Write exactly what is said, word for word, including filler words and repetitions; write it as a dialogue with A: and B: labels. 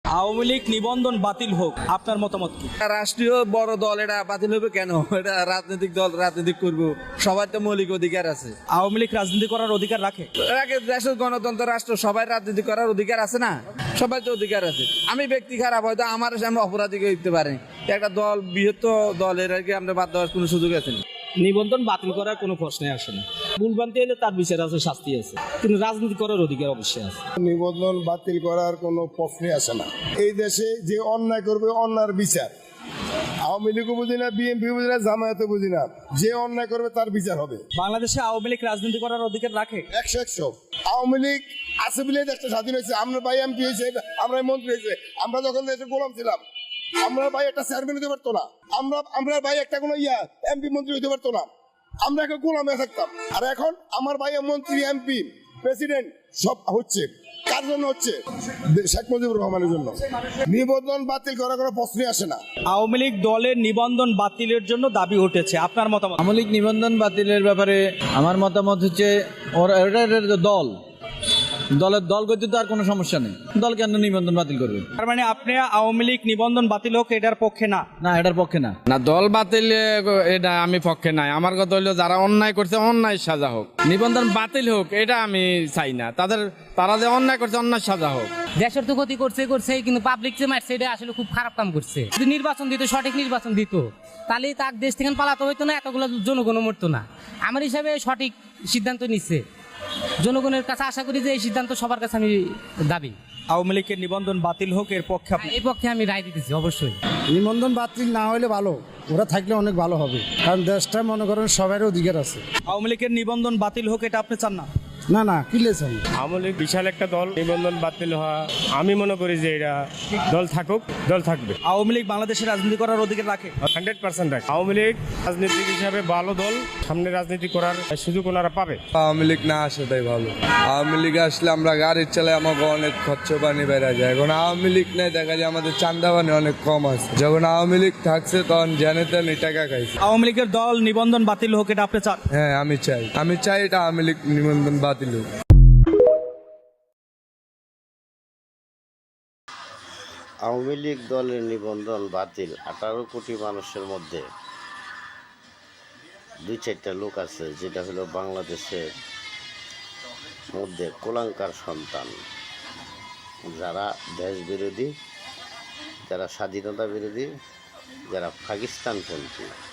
A: আওয়ামী লীগ নিবন্ধন বাতিল হোক, আপনার মতামত কি?
B: রাষ্ট্রীয় বড় দল এটা বাতিল হবে কেন? এটা রাজনৈতিক দল, রাজনীতি করবো, সবার তো মৌলিক অধিকার আছে।
A: আওয়ামী লীগ রাজনীতি করার অধিকার রাখে?
B: আগে দেশের গণতন্ত্র রাষ্ট্র, সবাই রাজনীতি করার অধিকার আছে না? সবাই তো অধিকার আছে। আমি ব্যক্তি খারাপ, হয়তো আমার সামনে অপরাধী হইতে পারে, একটা দল বৃহত্তর দলের আর কি আমরা বাদ দেওয়ার কোনো সুযোগ আছে না।
A: নিবন্ধন বাতিল করার কোনো প্রশ্নই আসে না। ভুলভ্রান্তি হলে তার বিচার আছে, শাস্তি আছে, কিন্তু রাজনীতি করার অধিকার অবশ্যই আছে।
C: নিবন্ধন বাতিল করার কোনো প্রশ্নই আসে না। এই দেশে যে অন্যায় করবে অন্যায়ের বিচার, আওয়ামী লীগও বুঝি না, বিএনপি বুঝি না, জামায়াতও বুঝি না, যে অন্যায় করবে তার বিচার হবে।
A: বাংলাদেশে আওয়ামী লীগ রাজনীতি করার অধিকার রাখে?
C: একশো একশো আওয়ামী লীগ আছে বলে দেশটা স্বাধীন হয়েছে। আমরা ভাই এমপি হয়েছে, আমরা মন্ত্রী হয়েছে। আমরা যখন দেশে গোলাম ছিলাম, আমরা ভাই একটা চেয়ারম্যান হতে পারতো না, আমরা আমরা ভাই একটা কোনো ইয়া এমপি মন্ত্রী হতে পারতো না, আমরা একটা গোলাম হয়ে থাকতাম। আর এখন আমার ভাই মন্ত্রী, এমপি, প্রেসিডেন্ট সব হচ্ছে কার জন্য? হচ্ছে শেখ মুজিবুর রহমানের জন্য। নিবন্ধন বাতিল করার কোনো প্রশ্নই আসে না।
A: আওয়ামী লীগ দলের নিবন্ধন বাতিলের জন্য দাবি উঠেছে, আপনার মতামত?
D: আওয়ামী লীগ নিবন্ধন বাতিলের ব্যাপারে আমার মতামত হচ্ছে, ওরা এটা দল, দলের দল করতে তো আর কোনো সমস্যা নেই, দল কেন নিবন্ধন বাতিল করবে?
A: তার মানে আপনি আওয়ামী লীগ নিবন্ধন বাতিল হোক এটার পক্ষে না?
D: না, এটার পক্ষে না।
E: না, দল বাতিল এটা আমি পক্ষে নাই। আমার কথা হইলো যারা অন্যায় করছে অন্যায় সাজা হোক, নিবন্ধন বাতিল হোক এটা আমি চাই না। তাদের তারা যে অন্যায় করছে অন্যায় সাজা হোক।
F: দেশের তো ক্ষতি করছে করছে কিন্তু পাবলিক যে মারছে এটা আসলে খুব খারাপ কাম করছে। যদি নির্বাচন দিত, সঠিক নির্বাচন দিত, তাহলে তার দেশ থেকে পালাতে হইতো না, এতগুলো জনগণ মরতো না। আমার হিসাবে সঠিক সিদ্ধান্ত নিচ্ছে। জনগণের কাছে আশা করি যে এই সিদ্ধান্ত সবার কাছে আমি দাবি।
A: আওয়ামী লীগের নিবন্ধন বাতিল হোক এর পক্ষে আপনি?
F: এই পক্ষে আমি রায় দিতেছি অবশ্যই।
G: নিবন্ধন বাতিল না হলে ভালো, ওরা থাকলে অনেক ভালো হবে, কারণ দেশটা মনে করেন সবারই অধিকার আছে।
A: আওয়ামী লীগের নিবন্ধন বাতিল হোক এটা আপনি চান না?
G: না না, কি লেছেন?
H: আওয়ামী লীগ বিশাল একটা দল, নিবন্ধন বাতিল হওয়া আমি মনে করি যে এটা দল থাকুক, দল থাকবে।
A: আওয়ামী লীগ বাংলাদেশে রাজনীতি করার অধিকার রাখে?
H: হান্ড্রেড পার্সেন্ট রাখে। আওয়ামী লীগ রাজনীতিক হিসাবে ভালো দল, সামনে রাজনীতি করার সুযোগ ওনারা পাবে।
I: আওয়ামী লীগ না আসাটাই ভালো। আওয়ামী লীগ আসলে আমরা গাড়ি চালাই, আমাকে অনেক খরচ পানি বেড়া যায়। এখন আওয়ামী লীগ নেই, দেখা যায় আমাদের চান্দা পানি অনেক কম আছে। যখন আওয়ামী লীগ থাকছে তখন জানে তেনে টাকা খাইছে।
A: আওয়ামী লীগের দল নিবন্ধন বাতিল হোক এটা আপনি চান?
I: হ্যাঁ, আমি চাই, আমি চাই এটা আওয়ামী লীগ নিবন্ধন বাতিল হোক।
J: আওয়ামী লীগ দলের নিবন্ধন বাতিল। আঠারো কোটি মানুষের মধ্যে দুই চারটা লোক আছে যেটা হলো বাংলাদেশের মধ্যে কুলাঙ্কার সন্তান, যারা দেশ বিরোধী, যারা স্বাধীনতা বিরোধী, যারা পাকিস্তানপন্থী।